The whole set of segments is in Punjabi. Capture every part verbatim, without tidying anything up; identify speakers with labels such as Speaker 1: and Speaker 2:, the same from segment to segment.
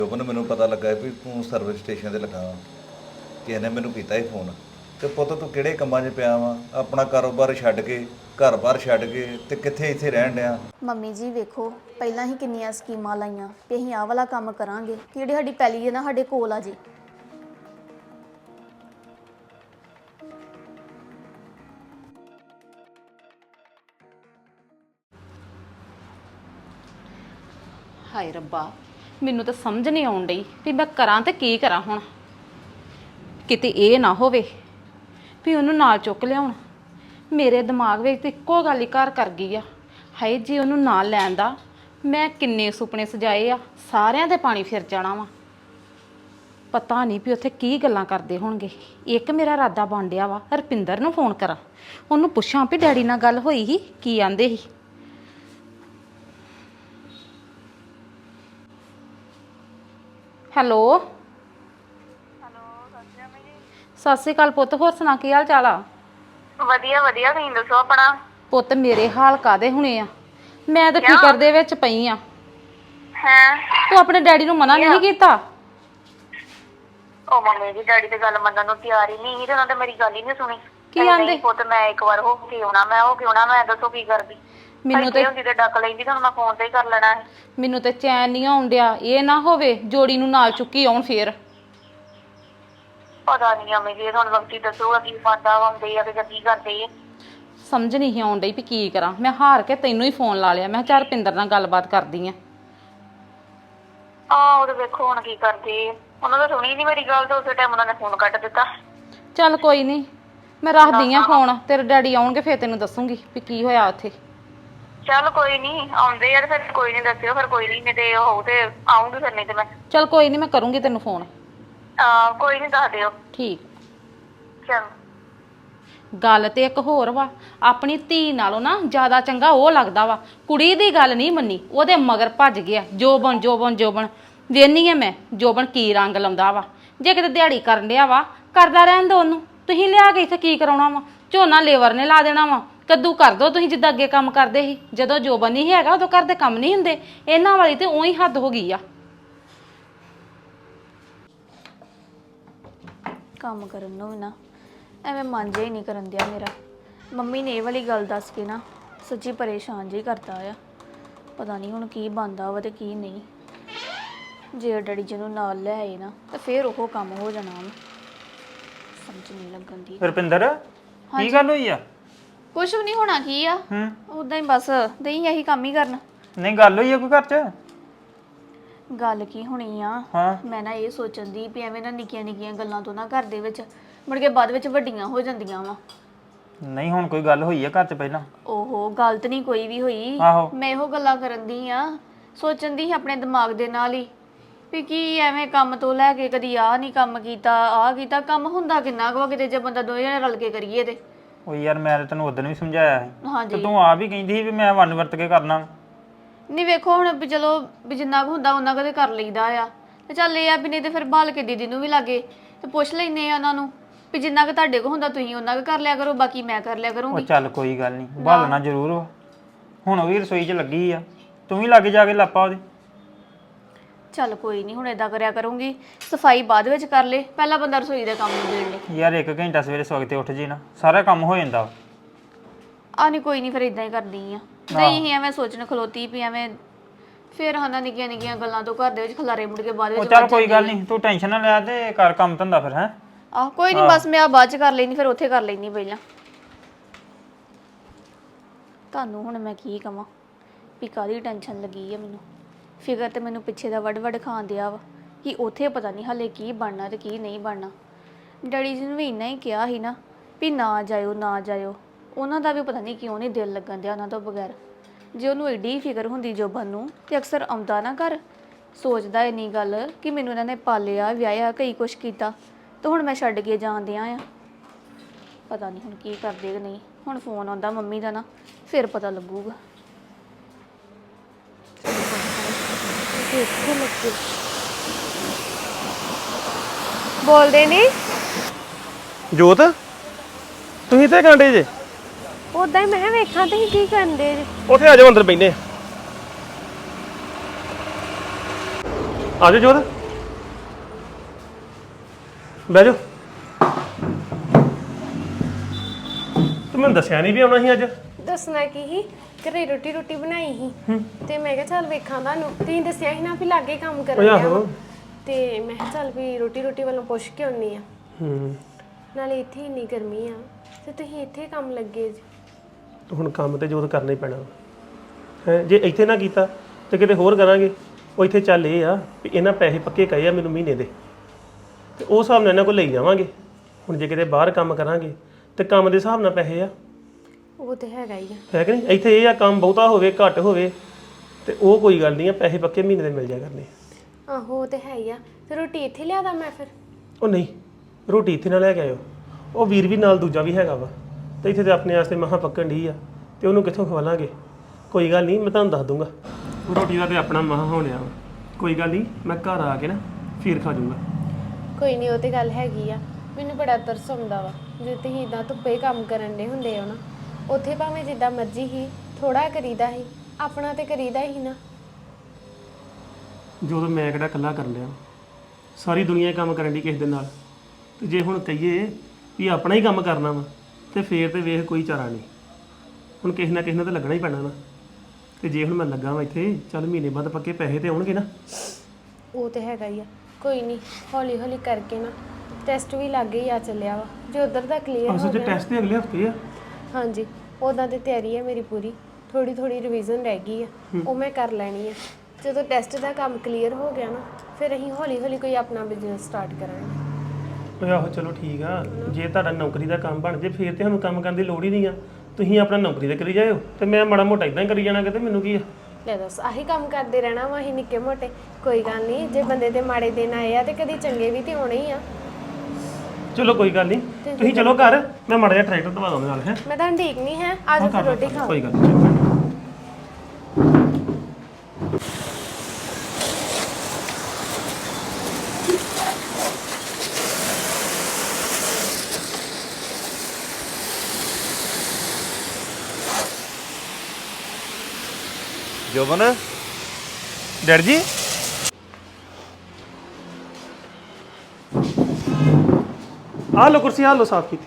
Speaker 1: ਜੋਬਨ ਮੈਨੂੰ ਪਤਾ ਲੱਗਾ ਵੀ ਤੂੰ ਸਰਵਿਸ ਸਟੇਸ਼ਨ ਤੇ ਲੱਗਾ ਵਾ। ਕਿਸੇ ਨੇ ਮੈਨੂੰ ਕੀਤਾ ਹੀ ਫੋਨ ਤੇ ਪੁੱਤ ਤੂੰ ਕਿਹੜੇ ਕੰਮਾਂ 'ਚ ਪਿਆ ਵਾ? ਆਪਣਾ ਕਾਰੋਬਾਰ ਛੱਡ ਕੇ ਘਰ-ਬਾਰ ਛੱਡ ਕੇ ਤੇ ਕਿੱਥੇ ਇੱਥੇ ਰਹਿਣ ਡਿਆ?
Speaker 2: ਮੰਮੀ ਜੀ ਵੇਖੋ ਪਹਿਲਾਂ ਹੀ ਕਿੰਨੀਆਂ ਸਕੀਮਾਂ ਲਾਈਆਂ ਕਿ ਅਸੀਂ ਆਹ ਵਾਲਾ ਕੰਮ ਕਰਾਂਗੇ ਕਿ ਜਿਹੜੀ ਸਾਡੀ ਪੈਲੀ ਹੈ ਨਾ ਸਾਡੇ ਕੋਲ ਆ ਜੀ।
Speaker 3: ਹਾਏ ਰੱਬਾ, ਮੈਨੂੰ ਤਾਂ ਸਮਝ ਨਹੀਂ ਆਉਣ ਡਈ ਵੀ ਮੈਂ ਕਰਾਂ ਤੇ ਕੀ ਕਰਾਂ ਹੁਣ। ਕਿਤੇ ਇਹ ਨਾ ਹੋਵੇ ਵੀ ਉਹਨੂੰ ਨਾਲ ਚੁੱਕ ਲਿਆਉਣ। ਮੇਰੇ ਦਿਮਾਗ ਵਿੱਚ ਤਾਂ ਇੱਕੋ ਗੱਲ ਹੀ ਘਰ ਕਰ ਗਈ ਆ, ਹਾਏ ਜੇ ਉਹਨੂੰ ਨਾਲ ਲੈਣ ਦਾ ਮੈਂ ਕਿੰਨੇ ਸੁਪਨੇ ਸਜਾਏ ਆ, ਸਾਰਿਆਂ ਦੇ ਪਾਣੀ ਫਿਰ ਜਾਣਾ ਵਾ। ਪਤਾ ਨਹੀਂ ਵੀ ਉੱਥੇ ਕੀ ਗੱਲਾਂ ਕਰਦੇ ਹੋਣਗੇ। ਇੱਕ ਮੇਰਾ ਇਰਾਦਾ ਬਣ ਡਿਆ ਵਾ ਰਪਿੰਦਰ ਨੂੰ ਫੋਨ ਕਰਾਂ, ਉਹਨੂੰ ਪੁੱਛਾਂ ਵੀ ਡੈਡੀ ਨਾਲ ਗੱਲ ਹੋਈ ਸੀ, ਕੀ ਆਂਦੇ ਸੀ। ਹੈਲੋ
Speaker 4: ਹੈਲੋ ਸਤਿ ਸ਼੍ਰੀ ਅਕਾਲ ਜੀ।
Speaker 3: ਸਤਿ ਸ਼੍ਰੀ ਅਕਾਲ ਪੁੱਤ, ਹੋਰ ਸੁਣਾ ਕੀ ਹਾਲ ਚਾਲ ਆ?
Speaker 4: ਵਧੀਆ ਵਧੀਆ, ਤੁਸੀਂ ਦੱਸੋ ਆਪਣਾ।
Speaker 3: ਪੁੱਤ ਮੇਰੇ ਹਾਲ ਕਾਦੇ ਹੁਣੇ ਆ, ਮੈਂ ਤਾਂ ਫਿਕਰ ਦੇ ਵਿੱਚ ਪਈ ਆ।
Speaker 4: ਹੈ
Speaker 3: ਤੂੰ ਆਪਣੇ ਡੈਡੀ ਨੂੰ ਮਨਾ ਨਹੀਂ ਕੀਤਾ?
Speaker 4: ਉਹ ਮੰਮੀ ਜੀ ਡੈਡੀ ਤੇ ਗੱਲ ਮੰਨਣ ਨੂੰ ਤਿਆਰ ਹੀ ਨਹੀਂ ਸੀ ਤੇ ਉਹਨਾਂ ਨੇ ਮੇਰੀ ਗੱਲ ਹੀ ਨਹੀਂ ਸੁਣੀ।
Speaker 3: ਕੀ ਆਂਦੇ?
Speaker 4: ਪੁੱਤ ਮੈਂ ਇੱਕ ਵਾਰ ਹੋ ਕੇ ਆਉਣਾ, ਮੈਂ ਹੋ ਕੇ ਆਉਣਾ, ਮੈਂ ਦੱਸੋ ਕੀ ਕਰਦੀ।
Speaker 3: ਮੈਨੂੰ ਤੇ
Speaker 4: ਹੁੰਦੀ ਤੇ ਡੱਕ ਲੈਂਦੀ, ਤੁਹਾਨੂੰ ਮੈਂ ਫੋਨ ਤੇ ਹੀ ਕਰ ਲੈਣਾ ਹੈ।
Speaker 3: ਮੈਨੂੰ ਤੇ ਚੈਨ ਨਹੀਂ ਆਉਣ ਡਿਆ, ਇਹ ਨਾ ਹੋਵੇ ਜੋੜੀ ਨੂੰ ਨਾਲ ਚੁੱਕੀ ਆਉਣ ਫੇਰ।
Speaker 4: ਪਤਾ ਨਹੀਂ ਮੰਮੀ ਜੀ, ਤੁਹਾਨੂੰ ਵਕਤੀ ਦੱਸੂਗਾ ਕੀ ਬੰਦਾ ਆਉਂਦੇ ਆ ਕਿ ਕੀ ਕਰਦੇ ਆ।
Speaker 3: ਸਮਝ ਨਹੀਂ ਆਉਣ ਡਈ ਵੀ ਕੀ ਕਰਾਂ। ਮੈਂ ਹਾਰ ਕੇ ਤੈਨੂੰ ਹੀ ਫੋਨ ਲਾ ਲਿਆ, ਮੈਂ ਕਿਹਾ ਚੱਲ ਰੁਪਿੰਦਰ ਨਾਲ ਗੱਲਬਾਤ ਕਰਦੀ ਆ।
Speaker 4: ਆਹ ਉਹ ਵੇਖੋ ਹੁਣ ਕੀ ਕਰਦੇ ਆ। ਉਹਨਾਂ ਦਾ ਸੁਣੀ ਨਹੀਂ ਮੇਰੀ ਗੱਲ ਤੇ ਉਸੇ ਟਾਈਮ ਉਹਨਾਂ ਨੇ ਫੋਨ ਕੱਟ ਦਿੱਤਾ।
Speaker 3: ਚੱਲ ਕੋਈ ਨਹੀਂ, ਮੈਂ ਰੱਖਦੀ ਆ ਫੋਨ, ਤੇਰੇ ਡੈਡੀ ਆਉਣਗੇ ਫੇਰ ਤੈਨੂੰ ਦੱਸੂਗੀ ਵੀ ਕੀ ਹੋਇਆ ਉੱਥੇ।
Speaker 4: ਚੱਲ ਕੋਈ ਨਹੀਂ, ਆਉਂਦੇ ਯਾਰ ਫਿਰ ਕੋਈ ਨਹੀਂ ਦੱਸਿਓ, ਫਿਰ ਕੋਈ ਨਹੀਂ ਤੇ ਹੋਊ ਤੇ ਆਉਂਗੀ, ਫਿਰ ਨਹੀਂ ਤੇ ਮੈਂ
Speaker 3: ਚੱਲ ਕੋਈ ਨਹੀਂ, ਮੈਂ ਕਰੂੰਗੀ ਤੈਨੂੰ ਫੋਨ।
Speaker 4: ਆ ਕੋਈ ਨਹੀਂ ਦੱਸ ਦਿਓ।
Speaker 3: ਠੀਕ।
Speaker 4: ਚਲ
Speaker 3: ਗੱਲ ਤੇ ਇੱਕ ਹੋਰ ਵਾ, ਆਪਣੀ ਧੀ ਨਾਲੋਂ ਨਾ ਜ਼ਿਆਦਾ ਚੰਗਾ ਉਹ ਲੱਗਦਾ ਵਾ। ਕੁੜੀ ਦੀ ਗੱਲ ਨਹੀਂ ਮੰਨੀ, ਉਹਦੇ ਮਗਰ ਭੱਜ ਗਿਆ ਜੋਬਨ ਜੋਬਨ ਜੋਬਨ। ਵੇਖਨੀ ਆ ਮੈਂ ਜੋਬਨ ਕੀ ਰੰਗ ਲਾਉਂਦਾ ਵਾ। ਜੇ ਕਿਤੇ ਦਿਹਾੜੀ ਕਰਨ ਡਿਆ ਵਾ ਕਰਦਾ ਰਹਿਣ ਦੋ ਉਹਨੂੰ, ਤੁਸੀਂ ਲਿਆ ਕੇ ਇੱਥੇ ਕੀ ਕਰਾਉਣਾ ਵਾ? ਝੋਨਾ ਲੇਬਰ ਨੇ ਲਾ ਦੇਣਾ ਵਾ, ਕੱਦੂ ਕਰ ਦੋ ਤੁਸੀਂ ਜਿੱਦਾਂ ਅੱਗੇ ਕੰਮ ਕਰਦੇ ਸੀ। ਜਦੋਂ ਜੋਬਨ ਨਹੀਂ ਹੈਗਾ ਉਦੋਂ ਘਰ ਦੇ ਕੰਮ ਨਹੀਂ ਹੁੰਦੇ। ਇਹਨਾਂ ਵਾਲੀ ਤੇ ਉਹੀ ਹੱਦ ਹੋ ਗਈ ਆ।
Speaker 2: ਕੰਮ ਕਰਨ ਨੂੰ ਵੀ ਨਾ ਐਵੇਂ ਮਨ ਜਿਹਾ ਹੀ ਨਹੀਂ ਕਰਨ ਦਿਆ ਮੇਰਾ। ਮੰਮੀ ਨੇ ਇਹ ਵਾਲੀ ਗੱਲ ਦੱਸ ਕੇ ਨਾ ਸੱਚੀ ਪਰੇਸ਼ਾਨ ਜਿਹੀ ਕਰਤਾ ਆ। ਪਤਾ ਨਹੀਂ ਹੁਣ ਕੀ ਬਣਦਾ ਵਾ ਤੇ ਕੀ ਨਹੀਂ। ਜੇ ਡੈਡੀ ਜੀ ਨੂੰ ਨਾਲ ਲੈ ਆਏ ਨਾ ਤਾਂ ਫੇਰ ਉਹ ਕੰਮ ਹੋ ਜਾਣਾ ਵਾ। ਸਮਝ ਨਹੀਂ ਲੱਗਣ ਦੀ।
Speaker 5: ਰੁਪਿੰਦਰ ਕੀ ਗੱਲ ਹੋਈ ਆ?
Speaker 2: ਕੁਛ ਵੀ ਨਹੀਂ ਹੋਣਾ, ਕੀ ਆ
Speaker 5: ਹੂੰ
Speaker 2: ਉਦਾਂ ਹੀ ਬਸ ਦਈ ਇਹੀ ਕੰਮ ਹੀ ਕਰਨ।
Speaker 5: ਨਹੀਂ ਗੱਲ ਹੋਈ ਆ ਕੋਈ ਘਰ 'ਚ?
Speaker 2: ਗੱਲ ਕੀ ਹੋਣੀ ਆ,
Speaker 5: ਹਾਂ
Speaker 2: ਮੈਂ ਨਾ ਇਹ ਸੋਚਣ ਦੀ ਵੀ ਐਵੇਂ ਨਾ ਨਿੱਕੀਆਂ ਨਿੱਕੀਆਂ ਗੱਲਾਂ ਤੋਂ ਨਾ ਘਰ ਦੇ ਵਿੱਚ ਮੁੜ ਕੇ ਬਾਅਦ ਵਿੱਚ ਵੱਡੀਆਂ ਹੋ ਜਾਂਦੀਆਂ ਵਾ।
Speaker 5: ਨਹੀਂ ਹੁਣ ਕੋਈ ਗੱਲ ਹੋਈ ਆ ਘਰ 'ਚ ਪਹਿਲਾਂ?
Speaker 2: ਓਹੋ ਗਲਤ ਨਹੀਂ ਕੋਈ ਵੀ ਹੋਈ,
Speaker 5: ਆਹੋ
Speaker 2: ਮੈਂ ਇਹੋ ਗੱਲਾਂ ਕਰਨ ਦੀ ਆ, ਸੋਚਣ ਦੀ ਆਪਣੇ ਦਿਮਾਗ ਦੇ ਨਾਲ ਹੀ ਵੀ ਕੀ ਐਵੇਂ ਕੰਮ ਤੋਂ ਲੈ ਕੇ ਕਦੀ ਆਹ ਨਹੀਂ ਕੰਮ ਕੀਤਾ ਆਹ ਕੀਤਾ। ਕੰਮ ਹੁੰਦਾ ਕਿੰਨਾ ਕੁ ਕਿਤੇ ਜੇ ਬੰਦਾ ਦੋਵੇਂ ਜਣੇ ਰਲ ਕੇ ਕਰੀਏ ਤੇ।
Speaker 5: ਉਹ ਯਾਰ ਮੈਂ ਤਾਂ ਤੈਨੂੰ ਉਦੋਂ ਵੀ ਸਮਝਾਇਆ ਸੀ ਤੇ
Speaker 2: ਹਾਂਜੀ
Speaker 5: ਤੂੰ ਆਪ ਹੀ ਕਹਿੰਦੀ ਸੀ ਵੀ ਮੈਂ ਵੰਨ ਵਰਤ ਕੇ ਕਰਨਾ।
Speaker 2: ਨਹੀਂ ਵੇਖੋ ਹੁਣ ਵੀ ਚਲੋ ਵੀ ਜਿੰਨਾ ਕੁ ਹੁੰਦਾ ਉਹਨਾਂ ਕਦੇ ਕਰ ਲਈਦਾ ਆ ਤੇ ਚੱਲ ਇਹ ਆ ਵੀ ਨਹੀਂ ਤੇ ਫਿਰ ਭਾਲ ਕੇ ਦੀਦੀ ਨੂੰ ਵੀ ਲਾਗੇ ਤੇ ਪੁੱਛ ਲੈਨੇ ਆ ਉਹਨਾਂ ਨੂੰ ਵੀ ਜਿੰਨਾ ਕੁ ਤੁਹਾਡੇ ਕੋਲ ਹੁੰਦਾ ਤੁਸੀਂ ਉਹਨਾਂ ਕੁ ਕਰ ਲਿਆ ਕਰੋ, ਬਾਕੀ ਮੈਂ ਕਰ ਲਿਆ
Speaker 5: ਉਹ
Speaker 2: ਕਰੂੰਗੀ।
Speaker 5: ਚੱਲ ਕੋਈ ਗੱਲ ਨਹੀਂ, ਭਾਲਣਾ ਜ਼ਰੂਰ ਵਾ। ਹੁਣ ਉਹ ਵੀ ਰਸੋਈ 'ਚ ਲੱਗੀ ਆ, ਤੂੰ ਵੀ ਲਾਗੇ ਜਾ ਕੇ ਲਾਪਾ ਉਹਦੇ।
Speaker 2: ਚੱਲ ਕੋਈ ਨਹੀਂ, ਹੁਣ ਏਦਾਂ ਕਰਿਆ ਕਰੂੰਗੀ, ਸਫਾਈ ਬਾਅਦ ਵਿੱਚ ਕਰ ਲੇ, ਪਹਿਲਾਂ ਬੰਦਾ ਰਸੋਈ ਦਾ ਕੰਮ ਨਿਬੇੜ ਲੇ।
Speaker 5: ਯਾਰ ਇੱਕ ਘੰਟਾ ਸਵੇਰੇ ਸਵਖਤੇ ਉੱਠ ਜੇ ਨਾ ਸਾਰਾ ਕੰਮ ਹੋ ਜਾਂਦਾ।
Speaker 2: ਆ ਨਹੀਂ ਕੋਈ ਨਹੀਂ, ਫਿਰ ਇਦਾਂ ਹੀ ਕਰਦੀ ਆ। ਨਹੀਂ ਹੀ ਐਵੇਂ ਸੋਚਣ ਖਲੋਤੀ ਵੀ ਐਵੇਂ ਫਿਰ ਹਨਾ ਨਿੱਕੀਆਂ ਨਿੱਕੀਆਂ ਗੱਲਾਂ ਤੋਂ ਘਰ ਦੇ ਵਿੱਚ ਖਲਾਰੇ ਮੁੜ ਕੇ ਬਾਅਦ
Speaker 5: ਉਹ
Speaker 2: ਵਿੱਚ
Speaker 5: ਚੱਲ ਕੋਈ ਗੱਲ ਨਹੀਂ, ਤੂੰ ਟੈਨਸ਼ਨ ਨਾ ਲੈ ਤੇ ਕਰ ਕੰਮ ਧੰਦਾ ਫਿਰ। ਹੈ
Speaker 2: ਆਹ ਕੋਈ ਨਹੀਂ, ਬਸ ਮੈਂ ਆ ਬਾਅਦ ਚ ਕਰ ਲੈਣੀ, ਫਿਰ ਉੱਥੇ ਕਰ ਲੈਣੀ ਪਹਿਲਾਂ। ਤੁਹਾਨੂੰ ਹੁਣ ਮੈਂ ਕੀ ਕਵਾਂ ਵੀ ਕਾਹਦੀ ਟੈਨਸ਼ਨ ਲੱਗੀ ਆ ਮੈਨੂੰ। ਫਿਕਰ ਤੇ ਮੈਨੂੰ ਪਿੱਛੇ ਦਾ ਵੱਡ ਵੱਡ ਖਾਣ ਦਿਆ ਵਾ ਕਿ ਉੱਥੇ ਪਤਾ ਨਹੀਂ ਹਾਲੇ ਕੀ ਬਣਨਾ ਤੇ ਕੀ ਨਹੀਂ ਬਣਨਾ। ਡੈਡੀ ਜੀ ਨੂੰ ਵੀ ਇੰਨਾ ਹੀ ਕਿਹਾ ਸੀ ਨਾ ਵੀ ਨਾ ਜਾਇਓ ਨਾ ਜਾਇਓ, ਉਹਨਾਂ ਦਾ ਵੀ ਪਤਾ ਨਹੀਂ ਕਿਉਂ ਨਹੀਂ ਦਿਲ ਲੱਗਣ ਦਿਆ ਉਹਨਾਂ ਤੋਂ ਬਗੈਰ। ਜੇ ਉਹਨੂੰ ਐਡੀ ਫਿਕਰ ਹੁੰਦੀ ਜੋਬਨ ਨੂੰ ਤੇ ਅਕਸਰ ਆਉਂਦਾ ਨਾ ਘਰ, ਸੋਚਦਾ ਇੰਨੀ ਗੱਲ ਕਿ ਮੈਨੂੰ ਇਹਨਾਂ ਨੇ ਪਾਲਿਆ ਵਿਆਹਿਆ ਕਈ ਕੁਛ ਕੀਤਾ ਤੇ ਹੁਣ ਮੈਂ ਛੱਡ ਕੇ ਜਾਂਦਿਆਂ ਆ। ਪਤਾ ਨਹੀਂ ਹੁਣ ਕੀ ਕਰਦੇ ਕਿ ਨਹੀਂ। ਹੁਣ ਫੋਨ ਆਉਂਦਾ ਮੰਮੀ ਦਾ ਨਾ, ਫਿਰ ਪਤਾ ਲੱਗੂਗਾ।
Speaker 6: ਬੋਲਦੇ ਨਹੀਂ
Speaker 7: ਜੋਤ ਤੁਸੀਂ ਤੇ ਕਾਂਡੇ ਜੇ
Speaker 6: ਉਦਾਂ ਹੀ ਮੈਂ ਵੇਖਾਂ ਤੁਸੀਂ ਕੀ ਕਰਦੇ ਜੇ।
Speaker 7: ਉੱਥੇ ਆ ਜਾਓ ਅੰਦਰ ਬੈਠੇ। ਆ ਜਾਓ ਜੋਤ ਬਹਿ ਜਾਓ। ਤੂੰ ਮੈਨੂੰ ਦੱਸਿਆ ਨਹੀਂ ਵੀ ਆਉਣਾ ਸੀ ਅੱਜ।
Speaker 6: ਦੱਸਣਾ ਕੀ ਸੀ ਘਰੇ ਰੋਟੀ ਰੋਟੀ ਬਣਾਈ ਸੀ ਤੇ ਮੈਂ ਕਿਹਾ ਚੱਲ ਵੇਖਾਂ ਤੁਹਾਨੂੰ ਤੁਸੀਂ ਦੱਸਿਆ ਸੀ ਨਾ ਵੀ ਲਾਗੇ ਕੰਮ ਕਰਨ
Speaker 7: ਓਏ
Speaker 6: ਡਿਆ
Speaker 7: ਆਹੋ।
Speaker 6: ਵਾਂ। ਤੇ ਮੈਂ ਕਿਹਾ ਚੱਲ ਵੀ ਰੋਟੀ ਰੋਟੀ ਵੱਲੋਂ ਪੁੱਛ ਕੇ ਆਉਣੀ ਆ।
Speaker 7: ਹੂੰ
Speaker 6: ਨਾਲੇ ਇੱਥੇ ਇੰਨੀ ਗਰਮੀ ਆ ਤੇ ਤੁਸੀਂ ਇੱਥੇ ਕੰਮ ਲੱਗੇ ਜੀ।
Speaker 7: ਤੇ ਹੁਣ ਕੰਮ ਤੇ ਜੋਤ ਕਰਨਾ ਹੀ ਪੈਣਾ ਹੈ। ਜੇ ਇੱਥੇ ਨਾ ਕੀਤਾ ਤੇ ਕਿਤੇ ਹੋਰ ਕਰਾਂਗੇ। ਉਹ ਇੱਥੇ ਚੱਲ ਇਹ ਆ ਵੀ ਇਹਨਾਂ ਪੈਸੇ ਪੱਕੇ ਕਹੇ ਆ ਮੈਨੂੰ ਮਹੀਨੇ ਦੇ, ਤੇ ਉਹ ਹਿਸਾਬ ਨਾਲ ਇਹਨਾਂ ਕੋਲ ਲਈ ਜਾਵਾਂਗੇ। ਹੁਣ ਜੇ ਕਿਤੇ ਬਾਹਰ ਕੰਮ ਕਰਾਂਗੇ ਤੇ ਕੰਮ ਦੇ ਹਿਸਾਬ ਨਾਲ ਪੈਸੇ ਆ,
Speaker 6: ਉਹ ਤੇ ਹੈਗਾ ਹੀ ਆ।
Speaker 7: ਹੈ ਕਿ ਨਹੀਂ। ਇੱਥੇ ਇਹ ਆ ਕੰਮ ਬਹੁਤਾ ਹੋਵੇ ਘੱਟ ਹੋਵੇ ਤੇ ਉਹ ਕੋਈ ਗੱਲ ਨਹੀਂ ਆ, ਪੈਸੇ ਪੱਕੇ ਮਹੀਨੇ ਦੇ ਮਿਲ ਜਾ ਕਰਨੇ।
Speaker 6: ਆਹੋ ਉਹ ਤੇ ਹੈ ਹੀ ਆ। ਤੇ ਰੋਟੀ ਇੱਥੇ ਲਿਆਦਾ ਮੈਂ ਫਿਰ?
Speaker 7: ਉਹ ਨਹੀਂ, ਰੋਟੀ ਇੱਥੇ ਨਾ ਲੈ ਕੇ ਆਇਓ। ਉਹ ਵੀਰ ਵੀ ਨਾਲ ਦੂਜਾ ਵੀ ਹੈਗਾ ਵਾ, ਤੇ ਇੱਥੇ ਤੇ ਆਪਣੇ ਵਾਸਤੇ ਮਹਾਂ ਪੱਕਣ ਢੀ ਆ, ਤੇ ਉਹਨੂੰ ਕਿੱਥੋਂ ਖਵਾਲਾਂਗੇ। ਕੋਈ ਗੱਲ ਨਹੀਂ, ਮੈਂ ਤੁਹਾਨੂੰ ਦੱਸ ਦੂੰਗਾ। ਰੋਟੀ ਦਾ ਤੇ ਆਪਣਾ ਮਹਾਂ ਹੋਣਿਆ ਵਾ, ਕੋਈ ਗੱਲ ਨਹੀਂ, ਮੈਂ ਘਰ ਆ ਕੇ ਨਾ ਫਿਰ ਖਾ ਜੂੰਗਾ।
Speaker 6: ਕੋਈ ਨਹੀਂ, ਉਹ ਤੇ ਗੱਲ ਹੈਗੀ ਆ। ਮੈਨੂੰ ਬੜਾ ਤਰਸ ਆਉਂਦਾ ਵਾ ਜੇ ਤੁਸੀਂ ਇਦਾਂ ਧੁੱਪੇ ਕੰਮ ਕਰਨ ਦੇ ਹੁੰਦੇ ਹੋ ਨਾ। ਉੱਥੇ ਭਾਵੇਂ ਜਿੱਦਾਂ ਮਰਜ਼ੀ ਹੀ ਥੋੜਾ ਕਰੀਦਾ ਸੀ, ਆਪਣਾ ਤੇ ਕਰੀਦਾ ਹੀ ਨਾ।
Speaker 7: ਜਦੋਂ ਮੈਂ ਕਿਹੜਾ ਇਕੱਲਾ ਕਰਨ ਲਿਆ, ਸਾਰੀ ਦੁਨੀਆ ਹੀ ਕੰਮ ਕਰਨ ਦੀ ਕਿਸੇ ਦੇ ਨਾਲ। ਤੇ ਜੇ ਹੁਣ ਕਹੀਏ ਵੀ ਆਪਣਾ ਹੀ ਕੰਮ ਕਰਨਾ ਵਾ ਤੇ ਫੇਰ ਤੇ ਵੇਖ ਕੋਈ ਚਾਰਾ ਨਹੀਂ। ਹੁਣ ਕਿਸੇ ਨਾ ਕਿਸੇ ਨਾਲ ਤਾਂ ਲੱਗਣਾ ਹੀ ਪੈਣਾ ਨਾ। ਤੇ ਜੇ ਹੁਣ ਮੈਂ ਲੱਗਾ ਵਾਂ ਇੱਥੇ, ਚੱਲ ਮਹੀਨੇ ਬਾਅਦ ਪੱਕੇ ਪੈਸੇ ਤੇ ਆਉਣਗੇ ਨਾ।
Speaker 6: ਉਹ ਤੇ ਹੈਗਾ ਹੀ ਆ। ਕੋਈ ਨਹੀਂ, ਹੌਲੀ ਹੌਲੀ ਕਰਕੇ ਨਾ। ਟੈਸਟ ਵੀ ਲੱਗੇ ਹੀ ਆ ਚੱਲਿਆ ਵਾ। ਜੇ ਉਧਰ ਦਾ ਕਲੀਅਰ
Speaker 7: ਅਸਲ
Speaker 6: ਹੋ
Speaker 7: 'ਚ
Speaker 6: ਗਿਆ
Speaker 7: ਟੈਸਟ ਤੇ ਅਗਲੇ ਹਫਤੇ ਆ।
Speaker 6: ਹਾਂਜੀ, ਉੱਦਾਂ ਦੀ ਤਿਆਰੀ ਹੈ ਮੇਰੀ ਪੂਰੀ। ਥੋੜੀ ਥੋੜੀ ਰਿਵੀਜ਼ਨ ਰਹਿ ਗਈ ਆ, ਉਹ ਮੈਂ ਕਰ ਲੈਣੀ ਆ। ਜਦੋਂ ਟੈਸਟ ਦਾ ਕੰਮ ਕਲੀਅਰ ਹੋ ਗਿਆ ਨਾ, ਫਿਰ ਅਸੀਂ ਹੌਲੀ ਹੌਲੀ ਕੋਈ ਆਪਣਾ ਬਿਜ਼ਨਸ ਸਟਾਰਟ ਕਰਾਂਗੇ।
Speaker 7: ਓਏ ਆਹੋ ਚਲੋ ਠੀਕ ਆ। ਜੇ ਤੁਹਾਡਾ ਨੌਕਰੀ ਦਾ ਕੰਮ ਬਣ ਜੇ ਫੇਰ ਤੇ ਸਾਨੂੰ ਕੰਮ ਕਰਨ ਦੀ ਲੋੜ ਹੀ ਨਹੀਂ ਆ। ਤੁਸੀਂ ਆਪਣਾ ਨੌਕਰੀ ਤੇ ਕਰੀ ਜਾਇਓ ਤੇ ਮੈਂ ਮਾੜਾ ਮੋਟਾ ਇਦਾਂ ਹੀ ਕਰੀ ਜਾਣਾ ਕਿਤੇ। ਮੈਨੂੰ ਕੀ ਆ,
Speaker 6: ਲੈ ਦੱਸ, ਆਹੀ ਕੰਮ ਕਰਦੇ ਰਹਿਣਾ ਵਾ ਅਸੀਂ ਨਿੱਕੇ ਮੋਟੇ। ਕੋਈ ਗੱਲ ਨਹੀਂ, ਜੇ ਬੰਦੇ ਦੇ ਮਾੜੇ ਦਿਨ ਆਏ ਆ ਤੇ ਕਦੀ ਚੰਗੇ ਵੀ ਤੇ ਆਉਣੇ ਹੀ ਆ।
Speaker 7: ਚਲੋ ਕੋਈ ਗੱਲ ਨਹੀਂ, ਤੁਸੀਂ ਚਲੋ ਘਰ, ਮੈਂ ਮਾੜਾ ਜਿਹਾ ਟਰੈਕਟਰ ਦਵਾ ਦਵਾਂ ਨਾਲ। ਹੈ
Speaker 6: ਮੈਂ ਤਾਂ ਠੀਕ ਨਹੀਂ ਹੈ, ਆ ਜਾਓ ਫਿਰ ਰੋਟੀ ਖਾਓ।
Speaker 7: ਕੋਈ ਗੱਲ ਨਹੀਂ।
Speaker 1: ਜੋਬਨ,
Speaker 7: ਡੈਡ ਜੀ ਆ ਲੋ ਕੁਰਸੀ, ਆ ਲੋ ਸਾਫ ਕੀਤੀ।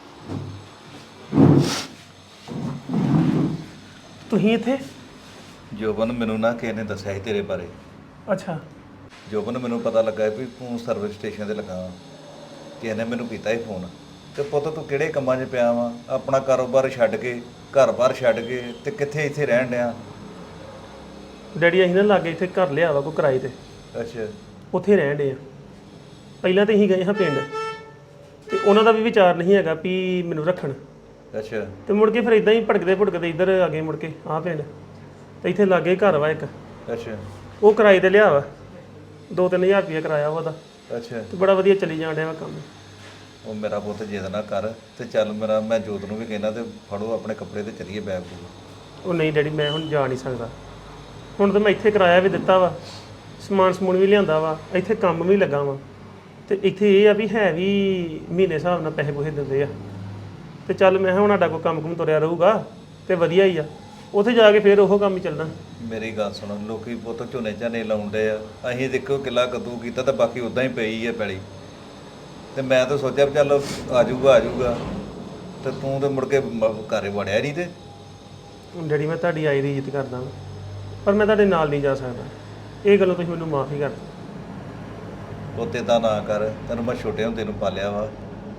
Speaker 7: ਤੁਸੀਂ ਇੱਥੇ?
Speaker 1: ਜੋਬਨ ਮੈਨੂੰ ਨਾ ਕਿਸੇ ਨੇ ਦੱਸਿਆ ਸੀ ਤੇਰੇ ਬਾਰੇ।
Speaker 7: ਅੱਛਾ।
Speaker 1: ਜੋਬਨ ਮੈਨੂੰ ਪਤਾ ਲੱਗਾ ਵੀ ਤੂੰ ਸਰਵਿਸ ਸਟੇਸ਼ਨ ਤੇ ਲੱਗਾ ਵਾ। ਕਿਸੇ ਨੇ ਮੈਨੂੰ ਕੀਤਾ ਹੀ ਫੋਨ, ਤੇ ਪੁੱਤ ਤੂੰ ਕਿਹੜੇ ਕੰਮਾਂ 'ਚ ਪਿਆ ਵਾ? ਆਪਣਾ ਕਾਰੋਬਾਰ ਛੱਡ ਕੇ, ਘਰ-ਬਾਰ ਛੱਡ ਕੇ, ਤੇ ਕਿੱਥੇ ਇੱਥੇ ਰਹਿਣ ਡਿਆ?
Speaker 7: ਡੈਡੀ ਅਸੀਂ ਨਾ ਲਾਗੇ ਇੱਥੇ ਘਰ ਲਿਆ ਵਾ ਕੋਈ ਕਿਰਾਏ ਤੇ,
Speaker 1: ਅੱਛਾ
Speaker 7: ਉੱਥੇ ਰਹਿਣ ਡੇ ਆ। ਪਹਿਲਾਂ ਤੇ ਅਸੀਂ ਗਏ ਹਾਂ ਪਿੰਡ, ਤੇ ਉਹਨਾਂ ਦਾ ਵੀ ਵਿਚਾਰ ਨਹੀਂ ਹੈਗਾ ਵੀ ਮੈਨੂੰ ਰੱਖਣ।
Speaker 1: ਅੱਛਾ
Speaker 7: ਤੇ ਮੁੜ ਕੇ ਫਿਰ ਇਦਾਂ ਹੀ ਭਟਕਦੇ ਭਟਕਦੇ ਇੱਧਰ ਆ ਗਏ ਮੁੜ ਕੇ ਆਹ ਪਿੰਡ। ਤੇ ਇੱਥੇ ਲਾਗੇ ਘਰ ਵਾ ਇੱਕ,
Speaker 1: ਅੱਛਾ
Speaker 7: ਉਹ ਕਿਰਾਏ ਤੇ ਲਿਆ ਵਾ। ਦੋ ਤਿੰਨ ਹਜ਼ਾਰ ਰੁਪਇਆ ਕਿਰਾਇਆ ਵਾ ਉਹਦਾ,
Speaker 1: ਅੱਛਾ।
Speaker 7: ਤੇ ਬੜਾ ਵਧੀਆ ਚੱਲੀ ਜਾਣ ਡਿਆ ਵਾ ਕੰਮ।
Speaker 1: ਉਹ ਮੇਰਾ ਪੁੱਤ ਜਿੱਦ ਨਾ ਕਰ, ਤੇ ਚੱਲ ਮੇਰਾ, ਮੈਂ ਜੋਤ ਨੂੰ ਵੀ ਕਹਿਣਾ ਤੇ ਫੜੋ ਆਪਣੇ ਕੱਪੜੇ ਤੇ ਚੱਲੀਏ ਬੈਗ ਬੂਗ।
Speaker 7: ਉਹ ਨਹੀਂ ਡੈਡੀ, ਮੈਂ ਹੁਣ ਜਾ ਨਹੀਂ ਸਕਦਾ। ਹੁਣ ਤਾਂ ਮੈਂ ਇੱਥੇ ਕਿਰਾਇਆ ਵੀ ਦਿੱਤਾ ਵਾ, ਸਮਾਨ ਸਮੂਨ ਵੀ ਲਿਆਂਦਾ ਵਾ, ਇੱਥੇ ਕੰਮ ਵੀ ਲੱਗਾ ਵਾ। ਤੇ ਇੱਥੇ ਇਹ ਆ ਵੀ ਹੈ ਵੀ ਮਹੀਨੇ ਹਿਸਾਬ ਨਾਲ ਪੈਸੇ ਪੂਸੇ ਦਿੰਦੇ ਆ। ਤੇ ਚੱਲ ਮੈਂ ਹੁਣ ਸਾਡਾ ਕੋਈ ਕੰਮ ਕੁਮ ਤੁਰਿਆ ਰਹੂਗਾ ਤੇ ਵਧੀਆ ਹੀ ਆ। ਉੱਥੇ ਜਾ ਕੇ ਫਿਰ ਉਹ ਕੰਮ ਹੀ ਚੱਲਣਾ।
Speaker 1: ਮੇਰੀ ਗੱਲ ਸੁਣ, ਲੋਕੀ ਪੁੱਤ ਝੋਨੇ ਝਾਨੇ ਲਾਉਂਦੇ ਆ, ਅਸੀਂ ਦੇਖੋ ਕਿੱਲਾ ਕੱਦੂ ਕੀਤਾ ਤਾਂ ਬਾਕੀ ਉਦਾਂ ਹੀ ਪਈ ਆ ਪੈਲੀ। ਤੇ ਮੈਂ ਤਾਂ ਸੋਚਿਆ ਵੀ ਚੱਲ ਆ ਜਾਊਗਾ ਆ ਜਾਊਗਾ, ਤੇ ਤੂੰ ਤੇ ਮੁੜ ਕੇ ਮ- ਘਰੇ ਵੜਿਆ ਨਹੀਂ। ਤੇ
Speaker 7: ਡੈਡੀ ਮੈਂ ਤੁਹਾਡੀ ਆਈ ਦੀ ਇੱਜ਼ਤ ਕਰਦਾ ਵਾਂ, ਪਰ ਮੈਂ ਤੁਹਾਡੇ ਨਾਲ ਨਹੀਂ ਜਾ ਸਕਦਾ। ਇਹ ਗੱਲੋਂ ਤੁਸੀਂ ਮੈਨੂੰ ਮਾਫੀ ਕਰ ਦਿਓ।
Speaker 1: ਉੱਤੇ ਤਾਂ ਨਾ ਕਰ, ਤੈਨੂੰ ਮੈਂ ਛੋਟੇ ਹੁੰਦੇ ਨੂੰ ਪਾਲਿਆ ਵਾ।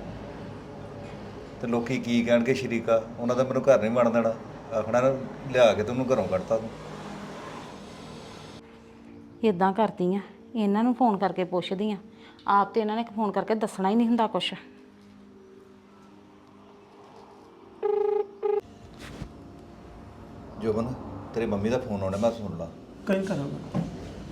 Speaker 1: ਤੇ ਲੋਕੀ ਕੀ ਕਹਿਣਗੇ ਸ਼ਰੀਕਾ, ਉਹਨਾਂ ਦਾ ਮੈਨੂੰ ਘਰ ਨਹੀਂ ਵੜਨ ਦੇਣਾ। ਆਖਣਾ ਨਾ ਲਿਆ ਕੇ ਤੈਨੂੰ ਘਰੋਂ ਕੱਢਤਾ ਤੂੰ।
Speaker 3: ਇਦਾਂ ਕਰਦੀ ਆ, ਇਹਨਾਂ ਨੂੰ ਫੋਨ ਕਰਕੇ ਪੁੱਛਦੀ ਆ। ਆਪ ਤੇ ਇਹਨਾਂ ਨੇ ਫੋਨ ਕਰਕੇ ਦੱਸਣਾ ਹੀ ਨਹੀਂ ਹੁੰਦਾ ਕੁਛ।
Speaker 1: ਜੋਬਨ, ਤੇਰੀ ਮੰਮੀ ਦਾ ਫੋਨ ਆਉਣਾ, ਮੈਂ ਸੁਣ ਲਾ।
Speaker 7: ਕहीं ਕਰਾਂਗਾ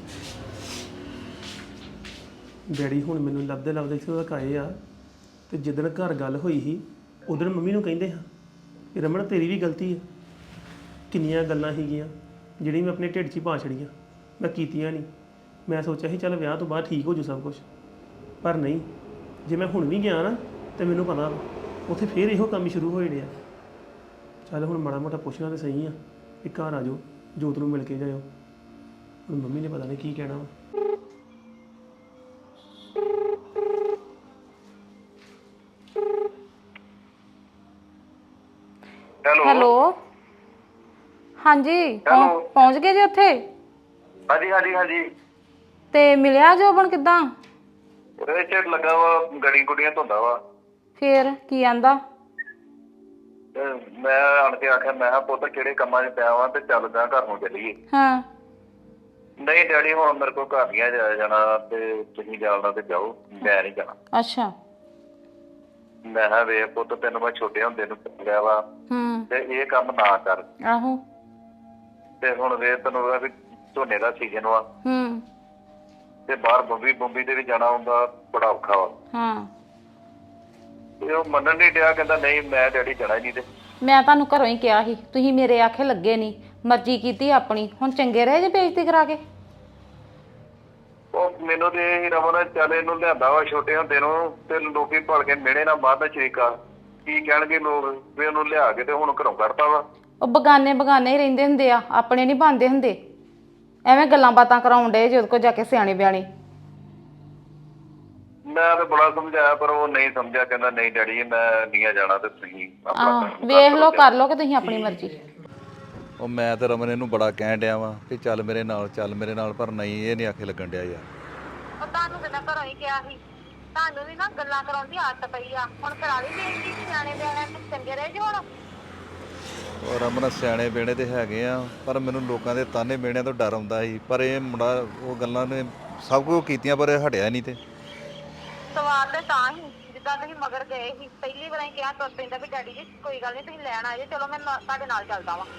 Speaker 7: ਡੈਡੀ। ਹੁਣ ਮੈਨੂੰ ਲੱਭਦੇ ਲੱਭਦੇ ਇੱਥੇ ਤੱਕ ਆਏ ਆ, ਤੇ ਜਿੱਦਣ ਘਰ ਗੱਲ ਹੋਈ ਸੀ ਉਦੋਂ ਮੰਮੀ ਨੂੰ ਕਹਿੰਦੇ ਹਾਂ ਕਿ ਰਮਨ ਤੇਰੀ ਵੀ ਗਲਤੀ ਹੈ। ਕਿੰਨੀਆਂ ਗੱਲਾਂ ਸੀਗੀਆਂ ਜਿਹੜੀਆਂ ਮੈਂ ਆਪਣੇ ਢਿੱਡ 'ਚ ਹੀ ਪਾ ਛੜੀਆਂ, ਮੈਂ ਕੀਤੀਆਂ ਨਹੀਂ। ਮੈਂ ਸੋਚਿਆ ਸੀ ਚੱਲ ਵਿਆਹ ਤੋਂ ਬਾਅਦ ਠੀਕ ਹੋ ਜੂ ਸਭ ਕੁਝ, ਪਰ ਨਹੀਂ। ਜੇ ਮੈਂ ਹੁਣ ਵੀ ਗਿਆ ਨਾ ਤੇ ਮੈਨੂੰ ਪਤਾ ਵਾ ਉੱਥੇ ਫੇਰ ਇਹੋ ਕੰਮ ਸ਼ੁਰੂ ਹੋ ਜਾਣੇ ਆ। ਚੱਲ ਹੁਣ ਮਾੜਾ ਮੋਟਾ ਪੁੱਛਣਾ ਤਾਂ ਸਹੀ ਆ ਕਿ ਘਰ ਆ ਜਾਓ, ਜੋਤ ਨੂੰ ਮਿਲ ਕੇ ਜਾਇਓ। ਹੁਣ ਮੰਮੀ ਨੇ ਪਤਾ ਨਹੀਂ ਕੀ ਕਹਿਣਾ ਵਾ।
Speaker 3: ਹੈਲੋ ਹਾਂਜੀ ਪਹੁੰ- ਪਹੁੰਚ ਗਏ ਜੀ ਉੱਥੇ?
Speaker 1: ਹਾਂਜੀ ਹਾਂਜੀ ਹਾਂਜੀ
Speaker 3: ਤੇ ਮਿਲਿਆ ਜੋਬਨ ਕਿੱਦਾਂ?
Speaker 1: ਉਹਦੇ ਚ ਲੱਗਾ ਵਾ ਗੜੀ ਗੁੱਡੀਆਂ ਧੁੰਦਾ ਵਾ
Speaker 3: ਫੇਰ ਕੀ ਆਂਦਾ?
Speaker 1: ਤੇ ਮੈਂ ਆਣ ਕੇ ਆਖਿਆ ਮੈਂ ਕਿਹਾ ਪੁੱਤ ਕਿਹੜੇ ਕੰਮਾਂ 'ਚ ਪਿਆ ਵਾਂ ਤੇ ਚੱਲਦਾ ਘਰ ਨੂੰ ਚੱਲੀਏ।
Speaker 3: ਹਾਂ
Speaker 1: ਨਹੀਂ ਡੈਡੀ ਹੁਣ ਮੇਰੇ ਕੋਲ ਘਰ ਨਹੀਂ ਆ ਜਾਇਆ ਜਾਣਾ ਤੇ ਤੁਸੀਂ ਜਾਣਾ ਤੇ ਜਾਓ ਮੈਂ ਨਹੀਂ ਜਾਣਾ।
Speaker 3: ਅੱਛਾ
Speaker 1: ਮੈਂ ਕਿਹਾ ਵੇਖ ਪੁੱਤ ਤੈਨੂੰ ਮੈਂ ਛੋਟੇ ਹੁੰਦੇ ਨੂੰ ਲਿਆ ਵਾ
Speaker 3: ਹੂੰ
Speaker 1: ਤੇ ਇਹ ਕੰਮ ਨਾ ਕਰ।
Speaker 3: ਆਹੋ
Speaker 1: ਤੇ ਹੁਣ ਵੇਖ ਤੈਨੂੰ ਉਹਦਾ ਵੀ ਝੋਨੇ ਦਾ ਸੀਜ਼ਨ ਵਾ
Speaker 3: ਹੂੰ
Speaker 1: ਤੇ ਬਾਹਰ ਬੰਬੀ ਬੰਬੀ ਦੇ ਵੀ ਜਾਣਾ ਹੁੰਦਾ ਬੜਾ ਔਖਾ ਵਾ।
Speaker 3: ਹਾਂ
Speaker 1: ਤੇ ਉਹ ਮੰਨਣ ਨਹੀਂ ਡਿਆ ਕਹਿੰਦਾ ਨਹੀਂ ਮੈਂ ਡੈਡੀ ਜਾਣਾ ਹੀ ਨਹੀਂ ਤੇ
Speaker 3: ਮੈਂ ਤੁਹਾਨੂੰ ਘਰੋਂ ਹੀ ਕਿਹਾ ਸੀ ਤੁਸੀਂ ਮੇਰੇ ਆਖੇ ਲੱਗੇ ਨਹੀਂ ਮਰਜ਼ੀ ਕੀਤੀ ਆਪਣੀ ਹੁਣ ਚੰਗੇ ਰਹੇ ਜੇ ਬੇਇੱਜ਼ਤੀ ਕਰਾ ਕੇ।
Speaker 1: ਉਹ ਮੈਨੂੰ ਤੇ ਇਹ ਰਮਨ ਚੱਲ ਇਹਨੂੰ ਲਿਆਂਦਾ ਵਾ ਛੋਟੇ ਹੁੰਦੇ ਨੂੰ ਤੇ ਲੋਕੀ ਭਲ ਕੇ ਮਿਹਣੇ ਨਾ ਬਾਹਰ ਦਾ ਸ਼ਰੀਕਾ ਕੀ ਕਹਿਣਗੇ ਲੋਕ ਵੀ ਉਹਨੂੰ ਲਿਆ ਕੇ ਤੇ ਹੁਣ ਘਰੋਂ ਕੱਢਤਾ ਵਾ।
Speaker 3: ਉਹ ਬਗਾਨੇ ਬਗਾਨੇ ਹੀ ਰਹਿੰਦੇ ਹੁੰਦੇ ਆ ਆਪਣੇ ਨਹੀਂ ਬਣਦੇ ਹੁੰਦੇ ਐਵੇਂ ਗੱਲਾਂ ਬਾਤਾਂ ਕਰਾਉਣ ਡੇ ਜੇ ਉਹਦੇ ਕੋਲ ਜਾ ਕੇ ਸਿਆਣੇ ਬਿਆਣੇ।
Speaker 1: ਮੈਂ ਤਾਂ ਬੜਾ ਸਮਝਾਇਆ ਪਰ ਉਹ ਨਹੀਂ ਸਮਝਿਆ ਕਹਿੰਦਾ ਨਹੀਂ ਡੈਡੀ ਮੈਂ ਨਹੀਂ ਜਾਣਾ ਤੇ ਤੁਸੀਂ
Speaker 3: ਆਹ ਵੇਖ ਲਓ ਕਰ ਲਓ ਕਿ ਤੁਸੀਂ ਆਪਣੀ ਮਰਜ਼ੀ।
Speaker 1: ਉਹ ਮੈਂ ਤੇ ਰਮਨ ਇਹਨੂੰ ਬੜਾ ਕਹਿਣ ਡਿਆ ਵਾਂ ਕਿ ਚੱਲ ਮੇਰੇ ਨਾਲ ਚੱਲ ਮੇਰੇ ਨਾਲ ਪਰ ਨਹੀਂ ਇਹ ਨਹੀਂ ਆਖੇ ਲੱਗਣ ਡਿਆ ਯਾਰ।
Speaker 4: ਉਹ ਤੁਹਾਨੂੰ ਤੇ ਮੈਂ ਘਰੋਂ ਹੀ ਕਿਹਾ ਸੀ ਤੁਹਾਨੂੰ ਵੀ ਨਾ ਗੱਲਾਂ ਕਰਾਉਣ ਦੀ ਆਦਤ ਪਈ ਆ ਹੁਣ ਕਰਾ ਲਈ ਬੇਇੱਜ਼ਤੀ ਸਿਆਣੇ ਬਿਆਣੇ ਨੂੰ ਚੰਗੇ ਰਹੇ ਜੀ ਹੁਣ।
Speaker 1: ਉਹ ਰਮਨ ਸਿਆਣੇ ਬੇਣੇ ਤੇ ਹੈਗੇ ਆ ਪਰ ਮੈਨੂੰ ਲੋਕਾਂ ਦੇ ਤਾਨੇ ਬੇਣਿਆਂ ਤੋਂ ਡਰ ਆਉਂਦਾ ਸੀ ਪਰ ਇਹ ਮੁੰਡਾ ਉਹ ਗੱਲਾਂ ਨੇ ਸਭ ਕੁਝ ਕੀਤੀਆਂ ਪਰ ਇਹ ਹਟਿਆ ਨਹੀਂ ਤੇ
Speaker 4: ਸਵਾਲ ਤੇ ਤਾਂ ਹੀ ਜਿੱਦਾਂ ਤੁਸੀਂ ਮਗਰ ਗਏ ਸੀ ਪਹਿਲੀ ਵਾਰ ਕਿਹਾ ਤੁਰ ਪੈਂਦਾ ਵੀ ਡੈਡੀ ਜੀ ਕੋਈ ਗੱਲ ਨਹੀਂ ਤੁਸੀਂ ਲੈਣ ਆਏ ਜੇ ਚਲੋ ਮੈਂ ਨਾ- ਤੁਹਾਡੇ ਨਾਲ ਚੱਲਦਾ ਵਾਂ।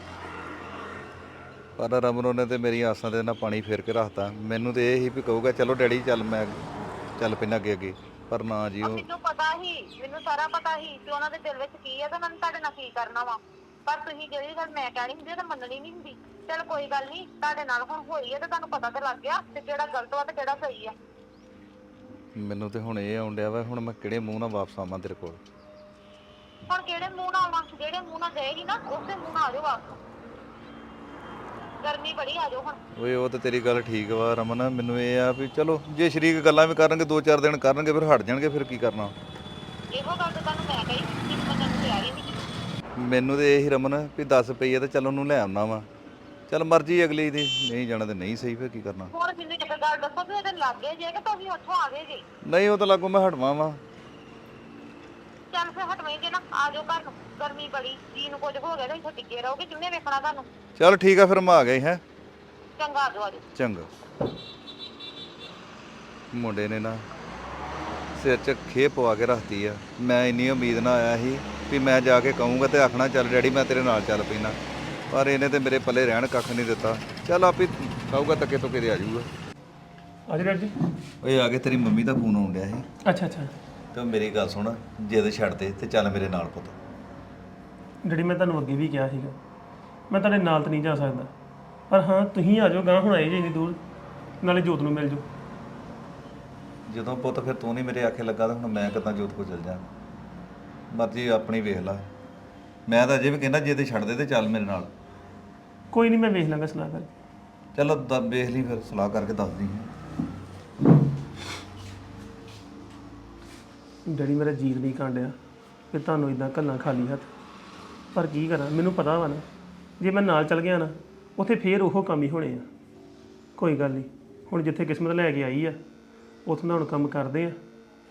Speaker 1: ਪਰ ਰਮਨ ਉਹਨੇ ਤੇ ਮੇਰੀਆਂ ਆਸਾਂ ਤੇ ਨਾ ਪਾਣੀ ਫੇਰ ਕੇ ਰੱਖਤਾ। ਮੈਨੂੰ ਤੇ ਇਹ ਹੀ ਵੀ ਕਹੂਗਾ ਚਲੋ ਡੈਡੀ ਚੱਲ ਮੈਂ ਚੱਲ ਪੈਣਾ ਅੱਗੇ ਅੱਗੇ ਪਰ ਨਾ ਜੀ ਉਹ
Speaker 4: ਮੈਨੂੰ ਪਤਾ ਸੀ ਮੈਨੂੰ ਸਾਰਾ ਪਤਾ ਸੀ ਕਿ ਉਹਨਾਂ ਦੇ ਦਿਲ ਵਿੱਚ ਕੀ ਹੈ ਤੇ ਉਹਨਾਂ ਨੇ ਤੁਹਾਡੇ ਨਾਲ ਕੀ ਕਰਨਾ ਵਾ ਪਰ ਤੁਸੀਂ ਜਿਹੜੀ ਗੱਲ ਮੈਂ ਕਹਿਣੀ ਹੁੰਦੀ ਤਾਂ ਮੰਨਣੀ ਨਹੀਂ ਹੁੰਦੀ। ਚਲ ਕੋਈ ਗੱਲ ਨਹੀਂ ਤੁਹਾਡੇ ਨਾਲ ਹੁਣ ਹੋਈ ਹੈ ਤੇ ਤੁਹਾਨੂੰ ਪਤਾ ਤਾਂ ਲੱਗ ਗਿਆ ਤੇ ਕਿਹੜਾ ਗਲਤ ਵਾ ਤੇ ਕਿਹੜਾ ਸਹੀ ਆ।
Speaker 1: ਮੈਨੂੰ ਤੇ ਹੁਣ ਇਹ ਆਉਣ ਡਿਆ ਵਾ ਹੁਣ ਮੈਂ ਕਿਹੜੇ ਮੂੰਹ ਨਾਲ ਵਾਪਸ ਆਵਾਂ ਤੇਰੇ ਕੋਲ।
Speaker 4: ਹੁਣ ਕਿਹੜੇ ਮੂੰਹ ਨਾਲ ਆਵਾਂ ਜਿਹੜੇ ਮੂੰਹ ਨਾਲ ਗਏ ਸੀ ਨਾ ਉਸੇ ਮੂੰਹ ਨਾਲ ਆ ਜਾਓ ਵਾਪਸ। ਗਰਮੀ ਬੜੀ ਆ ਜਾਓ ਹੁਣ।
Speaker 1: ਓਏ ਉਹ ਤੇ ਤੇਰੀ ਗੱਲ ਠੀਕ ਵਾ ਰਮਨ ਮੈਨੂੰ ਇਹ ਆ ਵੀ ਚਲੋ ਜੇ ਸ਼ਰੀਕ ਗੱਲਾਂ ਵੀ ਕਰਨਗੇ ਦੋ ਚਾਰ ਦਿਨ ਕਰਨਗੇ ਫਿਰ ਹਟ ਜਾਣਗੇ ਫਿਰ ਕੀ ਕਰਨਾ।
Speaker 4: ਇਹੋ ਗੱਲ ਤਾਂ ਤੁਹਾਨੂੰ ਮੈਂ ਕਹੀ ਕਿ ਮੰਨਣ ਨੂੰ ਤਿਆਰ ਹੀ ਨਹੀਂ।
Speaker 1: ਮੈਨੂੰ ਤੇ ਇਹ ਹੀ ਰਮਨ ਵੀ ਦਸ ਪਈ ਆ ਤੇ ਚੱਲ ਉਹਨੂੰ ਲੈ ਆਉਣਾ ਵਾ ਚੱਲ ਮਰਜ਼ੀ ਅਗਲੀ ਦੀ ਨਹੀਂ ਜਾਣਾ ਤੇ ਨਹੀਂ ਸਹੀ ਫਿਰ ਕੀ ਕਰਨਾ।
Speaker 4: ਹੁਣ ਮੈਨੂੰ ਇੱਕ ਗੱਲ ਦੱਸੋ ਵੀ ਇਹਦੇ ਲੱਗੇ ਜੇ ਕਿ ਤੁਸੀਂ ਉੱਥੋਂ ਆ ਗਏ ਜੇ।
Speaker 1: ਨਹੀਂ ਉਹ ਤਾਂ ਲੱਗੋ ਮੈਂ ਹਟਵਾ ਵਾ।
Speaker 4: ਚੱਲ ਫਿਰ ਹਟਵੇਂ ਜੇ ਨਾ ਆ ਜਾਓ ਘਰ ਨੂੰ ਗਰਮੀ ਬੜੀ ਜੀ ਨੂੰ ਕੁਝ ਹੋ ਗਿਆ ਤਾਂ ਇੱਥੇ ਟਿੱਕੇ ਰਹੋਗੇ ਕਿੰਨੇ ਵੇਖਣਾ ਤੁਹਾਨੂੰ।
Speaker 1: ਚੱਲ ਠੀਕ ਆ ਫਿਰ ਮੈਂ ਆ ਗਿਆ ਹੈ
Speaker 4: ਚੰਗਾ ਆ ਜਾਓ ਆ ਜਾਓ।
Speaker 1: ਚੰਗਾ। ਮੁੰਡੇ ਨੇ ਨਾ ਸਿਰ 'ਚ ਖੇ ਪਵਾ ਕੇ ਰੱਖਤੀ ਆ। ਮੈਂ ਇੰਨੀ ਉਮੀਦ ਨਾਲ ਆਇਆ ਸੀ ਵੀ ਮੈਂ ਜਾ ਕੇ ਕਹੂੰਗਾ ਤੇ ਆਖਣਾ ਚੱਲ ਡੈਡੀ ਮੈਂ ਤੇਰੇ ਨਾਲ ਚੱਲ ਪੈਣਾ ਪਰ ਇਹਨੇ ਤੇ ਮੇਰੇ ਪੱਲੇ ਰਹਿਣ ਕੱਖ ਨਹੀਂ ਦਿੱਤਾ। ਚੱਲ ਆਪੇ ਕਹੂਗਾ ਤੱਕੇ ਤੋਂ ਕਿਤੇ ਆ ਜਾਊਗਾ।
Speaker 7: ਅੱਜ ਡੈਡੀ
Speaker 1: ਓਏ ਆ ਕੇ ਤੇਰੀ ਮੰਮੀ ਦਾ ਫੋਨ ਆਉਣ ਡਿਆ ਸੀ
Speaker 7: ਅੱਛਾ ਅੱਛਾ
Speaker 1: ਤੇ ਮੇਰੀ ਗੱਲ ਸੁਣ ਜਿੱਦ ਛੱਡ ਦੇ ਤੇ ਚੱਲ ਮੇਰੇ ਨਾਲ ਪੁੱਤ।
Speaker 7: ਡੈਡੀ ਮੈਂ ਤੁਹਾਨੂੰ ਅੱਗੇ ਵੀ ਕਿਹਾ ਸੀਗਾ ਮੈਂ ਤੁਹਾਡੇ ਨਾਲ ਤਾਂ ਨਹੀਂ ਜਾ ਸਕਦਾ ਪਰ ਹਾਂ ਤੁਸੀਂ ਆ ਜਾਓ ਗਾਂ ਹੁਣ ਆਏ ਜੇ ਇੰਨੀ ਦੂਰ ਨਾਲੇ ਜੋਤ ਨੂੰ ਮਿਲ ਜਾਓ।
Speaker 1: ਜਦੋਂ ਪੁੱਤ ਫਿਰ ਤੂੰ ਨਹੀਂ ਮੇਰੇ ਆਖੇ ਲੱਗਾ ਤਾਂ ਹੁਣ ਮੈਂ ਕਿੱਦਾਂ ਜੋਤ ਕੋਲ ਚੱਲ ਜਾ। ਮਰਜ਼ੀ ਆਪਣੀ ਵੇਖ ਲਾ। ਮੈਂ ਤਾਂ ਅਜੇ ਵੀ ਕਹਿੰਦਾ ਜੇ ਤੇ ਛੱਡ ਦੇ ਤੇ ਚੱਲ ਮੇਰੇ ਨਾਲ।
Speaker 7: ਕੋਈ ਨਹੀਂ ਮੈਂ ਵੇਖ ਲਾਂਗਾ ਸਲਾਹ ਕਰਕੇ।
Speaker 1: ਚਲੋ ਦ ਵੇਖ ਲਈ ਫਿਰ ਸਲਾਹ ਕਰਕੇ ਦੱਸਦੀ ਹੈ।
Speaker 7: ਡੈਡੀ ਮੇਰਾ ਜੀਰ ਨਹੀਂ ਕਾਂਡਿਆ ਕਿ ਤੁਹਾਨੂੰ ਇਦਾਂ ਘੱਲਾਂ ਖਾਲੀ ਹੱਥ ਪਰ ਕੀ ਕਰਾਂ ਮੈਨੂੰ ਪਤਾ ਵਾ ਨਾ ਜੇ ਮੈਂ ਨਾਲ ਚੱਲ ਗਿਆ ਨਾ ਉੱਥੇ ਫੇਰ ਉਹ ਕੰਮ ਹੀ ਹੋਣੇ ਆ। ਕੋਈ ਗੱਲ ਨਹੀਂ ਹੁਣ ਜਿੱਥੇ ਕਿਸਮਤ ਲੈ ਕੇ ਆਈ ਆ ਉੱਥੋਂ ਦਾ ਹੁਣ ਕੰਮ ਕਰਦੇ ਆ।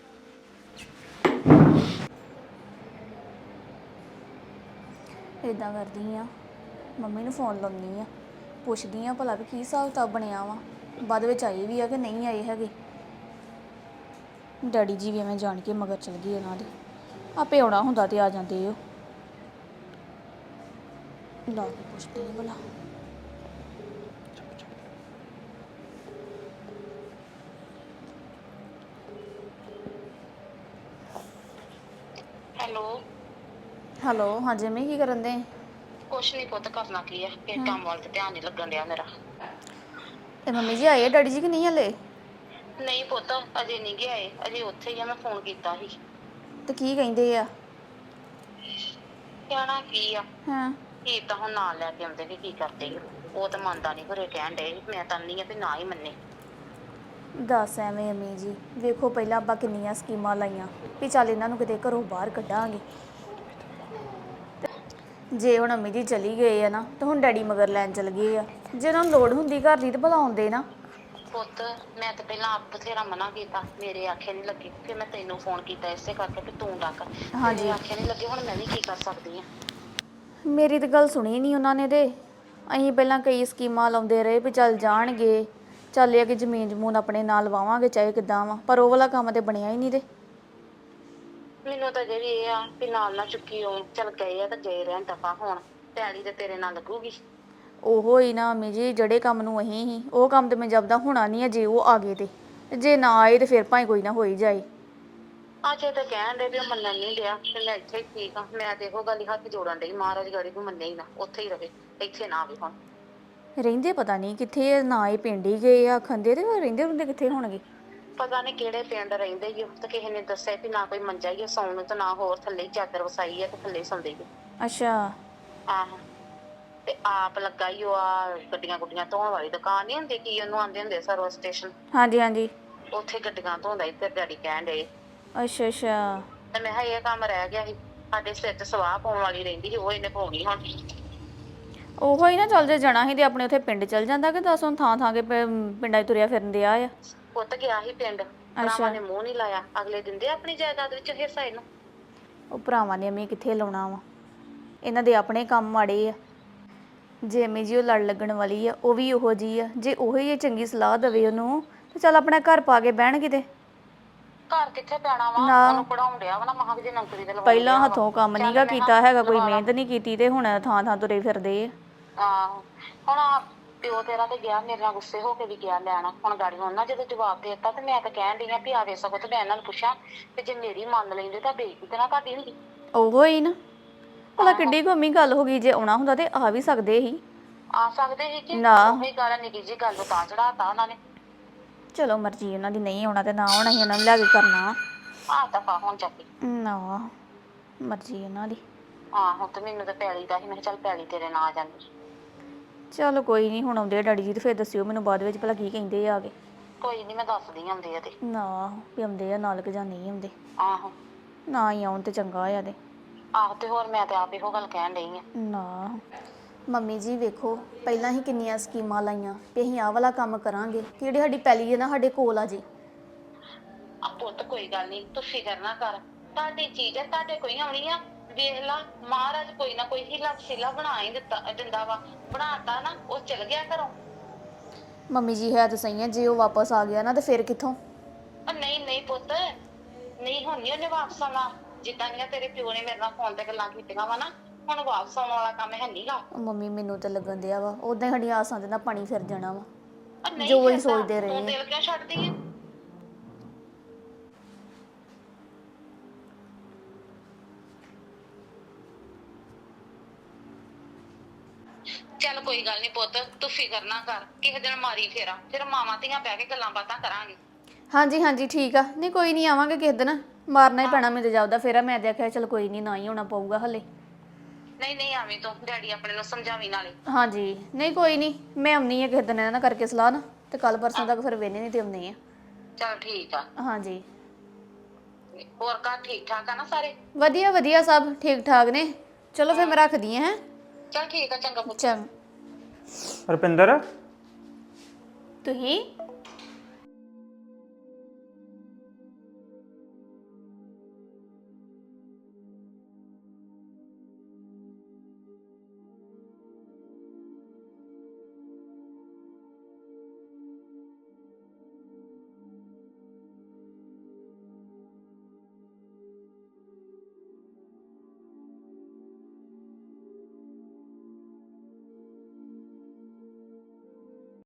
Speaker 2: ਇਦਾਂ ਕਰਦੀ ਆ ਮੰਮੀ ਨੂੰ ਫੋਨ ਲਾਉਂਦੀ ਆ ਪੁੱਛਦੀ ਆ ਭਲਾ ਵੀ ਕੀ ਹਿਸਾਬ ਕਿਤਾਬ ਬਣਿਆ ਵਾ ਬਾਅਦ ਵਿੱਚ ਆਏ ਵੀ ਆ ਕਿ ਨਹੀਂ ਆਏ ਹੈਗੇ। ਡੈਡੀ ਜੀ ਵੀ ਐਵੇਂ ਜਾਣ ਕੇ ਮਗਰ ਚਲ ਗਈ ਉਹਨਾਂ ਦੇ ਆਪੇ ਆਉਣਾ ਹੁੰਦਾ ਤੇ ਆ ਜਾਂਦੇ ਉਹ। ਲਾ ਕੇ ਪੁੱਛਦੀ ਆ ਭਲਾ।
Speaker 4: ਹੈਲੋ
Speaker 2: ਹੈਲੋ ਹਾਂਜੀ ਮੈਂ ਕੀ ਕਰਨ ਦੇ?
Speaker 4: ਕੁਛ ਨਹੀਂ ਪੁੱਤ ਕਰਨਾ ਕੀ ਆ ਕਿ ਕੰਮ ਵੱਲ ਤੇ ਧਿਆਨ ਨਹੀਂ ਲੱਗਣ ਡਿਆ ਮੇਰਾ।
Speaker 2: ਤੇ ਮੰਮੀ ਜੀ ਆਏ ਆ ਡੈਡੀ ਜੀ ਕਿ ਨਹੀਂ ਹਲੇ?
Speaker 4: ਨਹੀਂ ਪੁੱਤ ਅਜੇ ਨਹੀਂ ਗਏ ਆਏ ਅਜੇ ਉੱਥੇ ਹੀ ਆ ਮੈਂ ਫੋਨ ਕੀਤਾ ਸੀ।
Speaker 2: ਤੇ ਕੀ ਕਹਿੰਦੇ ਆ?
Speaker 4: ਕਹਿਣਾ ਕੀ ਆ
Speaker 2: ਹਾਂ
Speaker 4: ਕੀ ਤਾਂ ਹੁਣ ਨਾਲ ਲੈ ਕੇ ਆਉਂਦੇ ਕਿ ਕੀ ਕਰਦੇ ਆ। ਉਹ ਤਾਂ ਮੰਨਦਾ ਨਹੀਂ ਘਰੇ ਕਹਿਣ ਡੇ ਮੈਂ ਤਾਂ ਨਹੀਂ ਆ ਵੀ ਨਾ ਹੀ ਮੰਨੇ।
Speaker 2: ਦੱਸ ਐਵੇਂ ਅਮੀ ਜੀ ਵੇਖੋ ਪਹਿਲਾਂ ਆਪਾਂ ਕਿੰਨੀਆਂ ਸਕੀਮਾਂ ਲਾਈਆਂ ਵੀ ਚੱਲ ਇਹਨਾਂ ਨੂੰ ਕਿਤੇ ਘਰੋਂ ਬਾਹਰ ਕੱਢਾਂਗੇ ਜੇ ਹੁਣ ਅੰਮੀ ਜੀ ਚਲੀ ਗਏ ਆ ਨਾ ਤੇ ਹੁਣ ਡੈਡੀ ਮਗਰ ਲੈਣ ਚਲ ਗਏ ਆ। ਜੇ ਉਹਨਾਂ ਨੂੰ ਲੋੜ ਹੁੰਦੀ ਘਰ ਦੀ ਤੇ ਭਲਾ ਆਉਂਦੇ ਨਾ।
Speaker 4: ਪੁੱਤ ਮੈਂ ਤਾਂ ਪਹਿਲਾਂ ਆਪ ਬਥੇਰਾ ਮਨਾ ਕੀਤਾ, ਮੇਰੇ ਆਖੇ ਨਹੀਂ ਲੱਗੇ, ਫਿਰ ਮੈਂ ਤੈਨੂੰ ਫੋਨ ਕੀਤਾ ਇਸੇ ਕਰਕੇ ਕਿ ਤੂੰ ਡੱਕ।
Speaker 2: ਹਾਂਜੀ।
Speaker 4: ਮੇਰੇ ਆਖੇ ਨਹੀਂ ਲੱਗੇ, ਹੁਣ ਮੈਂ ਵੀ ਕੀ ਕਰ ਸਕਦੀ ਆ।
Speaker 2: ਮੇਰੀ ਤਾਂ ਗੱਲ ਸੁਣੀ ਨਹੀਂ ਉਹਨਾਂ ਨੇ ਤੇ ਅਸੀਂ ਪਹਿਲਾਂ ਕਈ ਸਕੀਮਾਂ ਲਾਉਂਦੇ ਰਹੇ ਵੀ ਚੱਲ ਜਾਣਗੇ, ਚੱਲ ਇਹ ਕਿ ਜ਼ਮੀਨ ਜਮੂਨ ਆਪਣੇ ਨਾਲ ਵਾਵਾਂਗੇ ਚਾਹੇ ਕਿੱਦਾਂ ਵਾ, ਪਰ ਉਹ ਵਾਲਾ ਕੰਮ ਤੇ ਬਣਿਆ ਹੀ ਨਹੀਂ ਤੇ।
Speaker 4: ਮੈਨੂੰ ਤਾਂ ਜਿਹੜੀ ਇਹ ਆ ਵੀ ਨਾਲ ਨਾ ਚੁੱਕੀ ਉਹ ਚੱਲ ਗਏ ਆ ਤਾਂ ਗਏ ਰਹਿਣ, ਦਫਾ ਹੋਣ। ਪੈਲੀ ਤੇ ਤੇਰੇ ਨਾਲ ਲੱਗੂਗੀ।
Speaker 2: ਉਹੋ ਹੀ ਨਾ ਅੰਮੀ ਜੀ, ਜਿਹੜੇ ਕੰਮ ਨੂੰ ਅਸੀਂ ਹੀ ਉਹ ਕੰਮ ਤੇ ਮੈਂ ਜਬਦਾ ਹੋਣਾ ਨਹੀਂ ਆ ਜੇ ਉਹ ਆ ਗਏ ਤੇ ਜੇ ਨਾ ਆਏ ਤੇ ਫਿਰ ਭਾਵੇਂ ਕੋਈ ਨਾ ਹੋਈ ਜਾਏ।
Speaker 4: ਅਜੇ ਤਾਂ ਕਹਿਣ ਦੇ ਵੀ ਉਹ ਮੰਨਣ ਨਹੀਂ ਡਿਆ ਤੇ ਮੈਂ ਇੱਥੇ ਹੀ ਠੀਕ ਆ। ਮੈਂ ਤੇ ਇਹੋ ਗੱਲ ਹੀ ਹੱਥ ਜੋੜਨ ਡਈ, ਮਹਾਰਾਜ ਗਾੜੀ ਨੂੰ ਮੰਨੇ ਹੀ ਨਾ, ਉੱਥੇ ਹੀ ਰਵੇ, ਇੱਥੇ ਨਾ ਆਵੇ ਹੁਣ।
Speaker 2: ਰਹਿੰਦੇ ਪਤਾ ਨਹੀਂ ਕਿੱਥੇ ਆ, ਨਾ ਇਹ ਪਿੰਡ ਹੀ ਗਏ ਆ ਖੰਦੇ ਤੇ ਰਹਿੰਦੇ ਹੁੰਦੇ ਕਿੱਥੇ ਹੋਣਗੇ।
Speaker 4: ਪਤਾ ਨਹੀਂ ਕਿਹੜੇ ਪਿੰਡ ਰਹਿੰਦੇ ਹੀ ਉਹ, ਤੇ ਕਿਸੇ ਨੇ ਦੱਸਿਆ ਵੀ ਨਾ ਕੋਈ ਮੰਜਾ ਹੀ ਆ ਸੌਣ ਨੂੰ ਤੇ ਨਾ ਹੋਰ ਥੱਲੇ ਹੀ ਚਾਦਰ ਵਸਾਈ ਆ ਤੇ ਥੱਲੇ ਸੌਂਦੇ ਹੀ।
Speaker 2: ਅੱਛਾ।
Speaker 4: ਆਹੋ। ਤੇ ਆਪ ਲੱਗਾ ਹੀ ਉਹ ਆ ਗੱਡੀਆਂ ਗੁੱਡੀਆਂ ਧੋਣ ਵਾਲੀ ਦੁਕਾਨ ਨਹੀਂ ਹੁੰਦੀ, ਕੀ ਉਹਨੂੰ ਆਂਦੇ ਹੁੰਦੇ ਸਰਵਿਸ ਸਟੇਸ਼ਨ,
Speaker 2: ਹਾਂਜੀ ਹਾਂਜੀ।
Speaker 4: ਉੱਥੇ ਗੱਡੀਆਂ ਧੋਂਦਾ ਹੀ ਤੇ ਡੈਡੀ ਕਹਿਣ ਡਏ।
Speaker 2: ਅੱਛਾ ਅੱਛਾ।
Speaker 4: ਤੇ ਮੈਂ ਕਿਹਾ ਇਹ ਕੰਮ ਰਹਿ ਗਿਆ ਸੀ, ਸਾਡੇ ਸਿਰ ਤੇ ਸਵਾਹ ਪਾਉਣ ਵਾਲੀ ਰਹਿੰਦੀ ਸੀ, ਉਹ ਇਹਨੇ ਪਾਉਣੀ ਹੁਣ।
Speaker 2: ਉਹੋ ਹੀ ਨਾ, ਚੱਲ ਜੇ ਜਾਣਾ ਸੀ ਤੇ ਆਪਣੇ ਉੱਥੇ ਪਿੰਡ ਚੱਲ ਜਾਂਦਾ ਕਿ ਦੱਸ ਹੁਣ ਥਾਂ ਥਾਂ ਕੇ ਪ- ਪਿੰਡਾਂ 'ਚ ਤੁਰਿਆ ਫਿਰਨ ਦਿਆ ਆ।
Speaker 4: ਪੁੱਤ ਗਿਆ ਸੀ ਪਿੰਡ, ਭਰਾਵਾਂ ਨੇ ਮੂੰਹ ਨਹੀਂ ਲਾਇਆ, ਅਗਲੇ ਦਿੰਦੇ ਆਪਣੀ ਜਾਇਦਾਦ ਵਿੱਚ ਹਿੱਸਾ ਇਹਨੂੰ।
Speaker 2: ਉਹ ਭਰਾਵਾਂ ਨੇ ਅਮੀ ਕਿੱਥੇ ਲਾਉਣਾ ਵਾ, ਇਹਨਾਂ ਦੇ ਆਪਣੇ ਕੰਮ ਮਾੜੇ ਆ। ਜੇ ਅਮੀ ਜੀ ਉਹ ਲੜ ਲੱਗਣ ਵਾਲੀ ਆ, ਉਹ ਵੀ ਉਹੋ ਜੀ ਆ। ਜੇ ਉਹੋ ਹੀ ਚੰਗੀ ਸਲਾਹ ਦੇਵੇ ਉਹਨੂੰ ਤੇ ਚੱਲ ਆਪਣਾ ਘਰ ਪਾ ਕੇ ਬਹਿਣ ਕਿਤੇ।
Speaker 4: ਘਰ ਕਿੱਥੇ ਪੈਣਾ ਵਾ,
Speaker 2: ਨਾ।
Speaker 4: ਉਹਨੂੰ ਪੜਾਉਣ ਡਿਆ ਵਾ ਨਾ, ਮਹਾਂ ਜੇ ਨੌਕਰੀ ਤੇ ਲਵਾਉਣ
Speaker 2: ਪਹਿਲਾਂ
Speaker 4: ਡਿਆ ਵਾ।
Speaker 2: ਹੱਥੋਂ ਕੰਮ
Speaker 4: ਚੱਲ
Speaker 2: ਨੀਗਾ
Speaker 4: ਮੈਂ
Speaker 2: ਕੀਤਾ ਹੈਗਾ, ਕੋਈ
Speaker 4: ਲਵਾ ਲਾ।
Speaker 2: ਮਿਹਨਤ ਨਹੀਂ ਕੀਤੀ ਤੇ ਹੁਣ ਥਾਂ ਥਾਂ ਤੁਰੇ ਫਿਰਦੇ ਆ।
Speaker 4: ਆਹੋ। ਹੁਣ ਆਹ ਪਿਓ ਤੇਰਾ ਤੇ ਗਿਆ ਮੇਰੇ ਨਾਲ ਗੁੱਸੇ ਹੋ ਕੇ ਵੀ ਗਿਆ ਲੈਣਾ, ਹੁਣ ਗਾੜੀ ਉਹਨਾਂ ਜਦੋਂ ਜਵਾਬ ਦੇ ਦਿੱਤਾ ਤੇ ਮੈਂ ਤਾਂ ਕਹਿਣ ਡਈ ਆ ਵੀ ਆਵੇ ਸਗੋਂ ਤੇ ਮੈਂ ਇਹਨਾਂ ਨੂੰ ਪੁੱਛਾਂ ਤੇ ਜੇ ਮੇਰੀ ਮੰਨ ਲੈਂਦੇ ਤਾਂ ਬੇਇੱਜ਼ਤੀ ਤੇ ਨਾ ਕਰਦੀ ਹੁੰਦੀ।
Speaker 2: ਉਹੋ ਹੀ ਨਾ, ਭਲਾ ਕਿੱਡੀ ਕੁ ਅੰਮੀ ਗੱਲ ਹੋ ਗਈ, ਜੇ ਆਉਣਾ ਹੁੰਦਾ ਤੇ ਆ ਵੀ ਸਕਦੇ ਸੀ।
Speaker 4: ਆ ਸਕਦੇ ਸੀ ਕਿ
Speaker 2: ਨਾ।
Speaker 4: ਉਹੀ ਗੱਲ ਨਿੱਕੀ ਜੀ ਗੱਲ ਤਾਂ ਚੜਾਤਾ ਉਹਨਾਂ ਨੇ।
Speaker 2: ਚਲੋ ਮਰਜ਼ੀ ਉਹਨਾਂ ਦੀ, ਨਹੀਂ ਆਉਣਾ ਤੇ ਨਾ ਆਉਣਾ ਸੀ, ਉਹਨਾਂ ਨੂੰ ਲੈ ਕੇ ਕਰਨਾ।
Speaker 4: ਆਹ ਦਫਾ ਹੁਣ ਚੱਕੀ।
Speaker 2: ਨਾ, ਮਰਜ਼ੀ ਉਹਨਾਂ ਦੀ।
Speaker 4: ਆਹੋ ਤੇ ਮੈਨੂੰ ਤਾਂ ਪੈਲੀ ਦਾ ਸੀ, ਮੈਂ ਕਿਹਾ ਚੱਲ ਪੈਲੀ ਤੇਰੇ ਨਾਲ ਆ ਜਾਂਦੀ।
Speaker 2: ਚਲੋ ਕੋਈ ਨਹੀਂ, ਹੁਣ ਆਉਂਦੇ ਆ ਡੈਡੀ ਜੀ ਤੇ ਫਿਰ ਦੱਸਿਓ ਮੈਨੂੰ ਬਾਅਦ ਵਿੱਚ ਭਲਾ ਕੀ ਕਹਿੰਦੇ ਆ ਕੇ।
Speaker 4: ਕੋਈ ਨਹੀਂ ਮੈਂ ਦੱਸਦੀ ਆਉਂਦੇ ਆ ਤੇ।
Speaker 2: ਨਾ ਵੀ ਆਉਂਦੇ ਆ ਨਾਲ ਕਿ ਜਾਂ ਨਹੀਂ ਆਉਂਦੇ,
Speaker 4: ਆਹੋ।
Speaker 2: ਨਾ ਹੀ ਆਉਣ ਤੇ ਚੰਗਾ ਆ ਤੇ।
Speaker 4: ਆਹੋ ਤੇ ਹੋਰ ਮੈਂ ਤੇ ਆਪ ਇਹੋ ਗੱਲ ਕਹਿਣ ਡਈ ਆ।
Speaker 2: ਨਾ ਮੰਮੀ ਜੀ ਵੇਖੋ, ਪਹਿਲਾਂ ਹੀ ਕਿੰਨੀਆਂ ਸਕੀਮਾਂ ਲਾਈਆਂ ਵੀ ਅਸੀਂ ਆਹ ਵਾਲਾ ਕੰਮ ਕਰਾਂਗੇ, ਜਿਹੜੀ ਸਾਡੀ ਪੈਲੀ ਹੈ ਨਾ ਸਾਡੇ ਕੋਲ ਆ ਜੀ।
Speaker 4: ਆ ਪੁੱਤ ਕੋਈ ਗੱਲ ਨਹੀਂ, ਤੂੰ ਫਿਕਰ ਨਾ ਕਰ, ਤੁਹਾਡੀ ਚੀਜ਼ ਹੈ, ਤੁਹਾਡੇ ਕੋਈ ਆਉਣੀ ਆ। ਵੇਖ ਲਾ ਮਹਾਰਾਜ ਕੋਈ ਨਾ ਕੋਈ ਹੀਲਾ ਵਸੀਲਾ ਬਣਾ ਹੀ ਦਿੱਤਾ ਦਿੰਦਾ ਵਾ, ਬਣਾਤਾ ਨਾ ਉਹ ਚਲ ਗਿਆ ਘਰੋਂ।
Speaker 2: ਮੰਮੀ ਜੀ ਹੈ ਤਾਂ ਸਹੀ ਹੈ, ਜੇ ਉਹ ਵਾਪਸ ਆ ਗਿਆ ਨਾ ਤੇ ਫਿਰ ਕਿੱਥੋਂ।
Speaker 4: ਉਹ ਨਹੀਂ ਨਹੀਂ ਪੁੱਤ, ਨਹੀਂ ਹੁਣ ਨੀ ਉਹਨੇ ਵਾਪਸ ਆਉਣਾ। ਜਿੱਦਾਂ ਦੀਆਂ ਤੇਰੇ ਪਿਓ ਨੇ ਮੇਰੇ ਨਾਲ ਫੋਨ ਤੇ ਗੱਲਾਂ ਕੀਤੀਆਂ ਵਾ ਨਾ, ਹੁਣ ਵਾਪਸ ਆਉਣ ਵਾਲਾ ਕੰਮ ਹੈ ਨੀਗਾ।
Speaker 2: ਮੰਮੀ ਮੈਨੂੰ ਤਾਂ ਲੱਗਣ ਦਿਆ ਵਾ ਉਦਾਂ ਹੀ ਸਾਡੀਆਂ ਆਸਾਂ ਦੇ ਨਾਲ ਪਾਣੀ ਫਿਰ ਜਾਣਾ ਵਾ,
Speaker 4: ਉਹ ਨਹੀਂ
Speaker 2: ਜੋ ਅਸੀਂ
Speaker 4: ਫਿਰਦਾ,
Speaker 2: ਸੋਚਦੇ
Speaker 4: ਤੂੰ
Speaker 2: ਰਹੇ
Speaker 4: ਦਿਲ ਕਿਉਂ ਛੱਡਦੀ ਹੈ। ਚੱਲ ਕੋਈ ਗੱਲ ਨਹੀਂ ਪੁੱਤ, ਤੂੰ ਫਿਕਰ ਨਾ ਕਰ, ਕਿਸੇ ਦਿਨ ਮਾਰੀ ਫੇਰਾ, ਫਿਰ ਮਾਵਾਂ ਧੀਆਂ ਬਹਿ ਕੇ ਗੱਲਾਂ ਬਾਤਾਂ ਕਰਾਂਗੇ।
Speaker 2: ਹਾਂਜੀ ਹਾਂਜੀ ਠੀਕ ਆ, ਨਹੀਂ ਕੋਈ ਨਹੀਂ ਆਵਾਂਗੇ ਕਿਸੇ ਦਿਨ, ਮਾਰਨਾ ਹੀ ਪੈਣਾ ਮੈਨੂੰ ਜਾਪਦਾ ਫੇਰਾ। ਮੈਂ ਦੇਖਿਆ ਚਲ ਕੋਈ ਨਹੀਂ, ਨਾ ਹੀ ਹੋਣਾ ਪਊਗਾ ਹਲੇ।
Speaker 4: ਨਹੀਂ ਨਹੀਂ ਆਵੇਂ ਤੂੰ, ਡੈਡੀ ਆਪਣੇ ਨੂੰ ਸਮਝਾਵੀਂ ਨਾਲੇ।
Speaker 2: ਹਾਂਜੀ ਨਹੀਂ ਕੋਈ ਨਹੀਂ, ਮੈਂ ਆਉਣੀ ਆ ਕਿਸੇ ਦਿਨ ਇਹਨਾਂ ਨਾਲ ਕਰਕੇ ਸਲਾਹ ਨਾ, ਤੇ ਕੱਲ ਪਰਸੋਂ ਤੱਕ ਫਿਰ ਵੇਨੇ ਨਹੀਂ ਤੇ ਆਉਂਦੇ ਆ।
Speaker 4: ਚੱਲ ਠੀਕ ਆ।
Speaker 2: ਹਾਂਜੀ
Speaker 4: ਹੋਰ ਘਰ ਠੀਕ ਠਾਕ ਆ ਨਾ ਸਾਰੇ?
Speaker 2: ਵਧੀਆ ਵਧੀਆ, ਸਭ ਠੀਕ ਠਾਕ ਨੇ। ਚਲੋ ਫਿਰ ਮੈਂ ਰੱਖਦੀ ਹਾਂ। ਹੈਂ
Speaker 4: ਚੱਲ ਠੀਕ ਆ, ਚੰਗਾ ਪੁੱਤ।
Speaker 2: ਚੰਗ
Speaker 5: ਰੁਪਿੰਦਰ
Speaker 2: ਤੁਸੀਂ